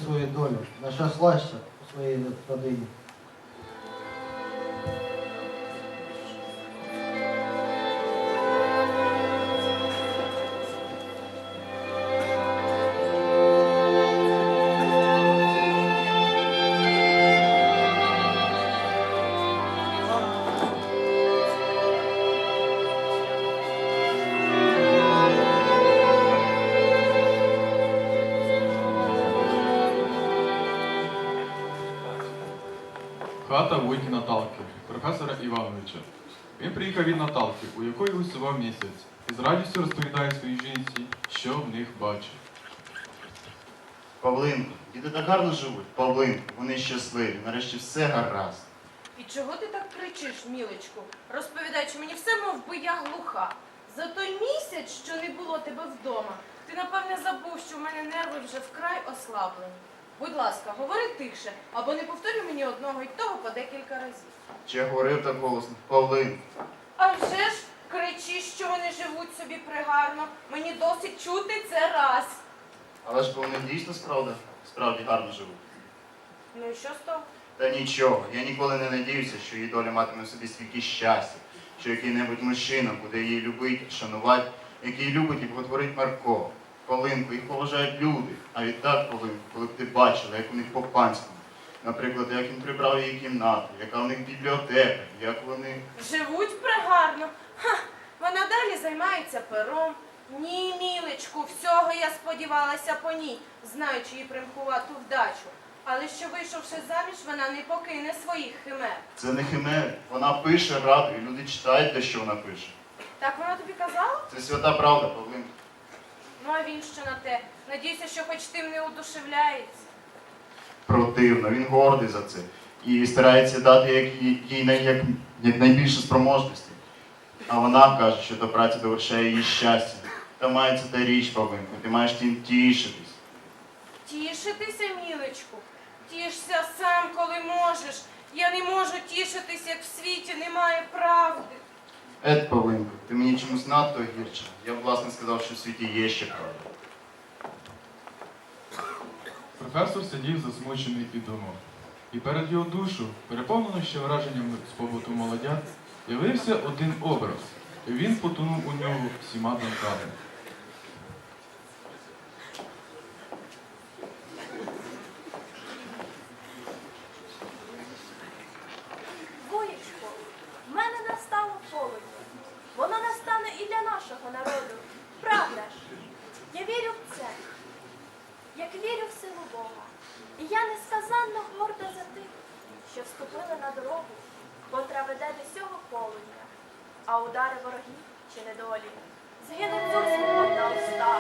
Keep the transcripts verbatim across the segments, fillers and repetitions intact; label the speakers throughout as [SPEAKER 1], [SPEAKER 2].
[SPEAKER 1] свою долю, нашаслася у своїй родині.
[SPEAKER 2] Хата Войки Наталки, професора Івановича. Він приїхав від Наталки, у якої усував місяць, і з радістю розповідає своїй жінці, що в них бачить.
[SPEAKER 3] Павлинко, діти так гарно живуть. Павлинко, вони щасливі, нарешті все гаразд.
[SPEAKER 4] І чого ти так кричиш, мілечку, розповідаючи мені все, мов би я глуха? За той місяць, що не було тебе вдома, ти, напевне, забув, що в мене нерви вже вкрай ослаблені. Будь ласка, говори тихше, або не повторюй мені одного й того по декілька разів.
[SPEAKER 3] Чи я говорив так голосно? Павлинко.
[SPEAKER 4] А вже ж кричиш, що вони живуть собі пригарно. Мені досить чути це раз.
[SPEAKER 3] Але ж вони дійсно справді, справді гарно живуть.
[SPEAKER 4] Ну і що з того?
[SPEAKER 3] Та нічого, я ніколи не надіюся, що її доля матиме в собі стільки щастя, що який-небудь мужчина буде її любити, шанувати, який любить і боготворить Марко. Павлинко, їх поважають люди. А відтак, Павлинко, коли б ти бачила, як у них по-панському. Наприклад, як він прибрав її кімнату, яка у них бібліотека, як вони...
[SPEAKER 4] Живуть пригарно. Ха, вона далі займається пером. Ні, мілечку, всього я сподівалася по ній, знаючи її примхувату вдачу. Але що, вийшовши заміж, вона не покине своїх химер.
[SPEAKER 3] Це не химери. Вона пише, радує, люди читають те, що вона пише.
[SPEAKER 4] Так вона тобі казала?
[SPEAKER 3] Це свята правда, Павлинко.
[SPEAKER 4] Ну, а він що на те? Надійся, що хоч тим не удушевляється.
[SPEAKER 3] Противно, він гордий за це. І старається дати як, їй най- як, як найбільше спроможності. А вона каже, що та праця довершає її щастя. Та мається та річ, Павлинко, ти маєш тим тішитись.
[SPEAKER 4] Тішитися, мілечку? Тішся сам, коли можеш. Я не можу тішитись, як в світі немає правди.
[SPEAKER 3] Ет, Павлинко, ти мені чомусь надто гірче. Я б, власне, сказав, що в світі є ще правда.
[SPEAKER 2] Професор сидів засмучений і думав. І перед його душу, переповнено ще враженнями з побуту молодят, явився один образ, і він потонув у нього всіма думками.
[SPEAKER 5] Воєчко, в мене настало полудня. Воно настане і для нашого народу. Правда ж? Я вірю в це, як вірю в силу Бога. І я несказанно горда за тих, що вступили на дорогу, котра веде до цього полудня. А удари ворогів чи недолі згинуть зовсім на устах.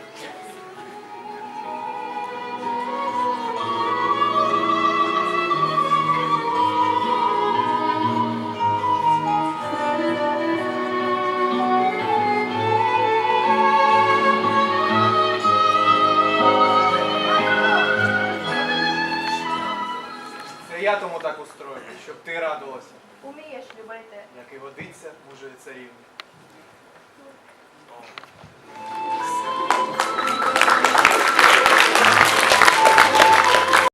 [SPEAKER 6] Я тому так устрою, щоб ти радувалася,
[SPEAKER 5] Умієш любити.
[SPEAKER 6] як і водиться мужої царівни.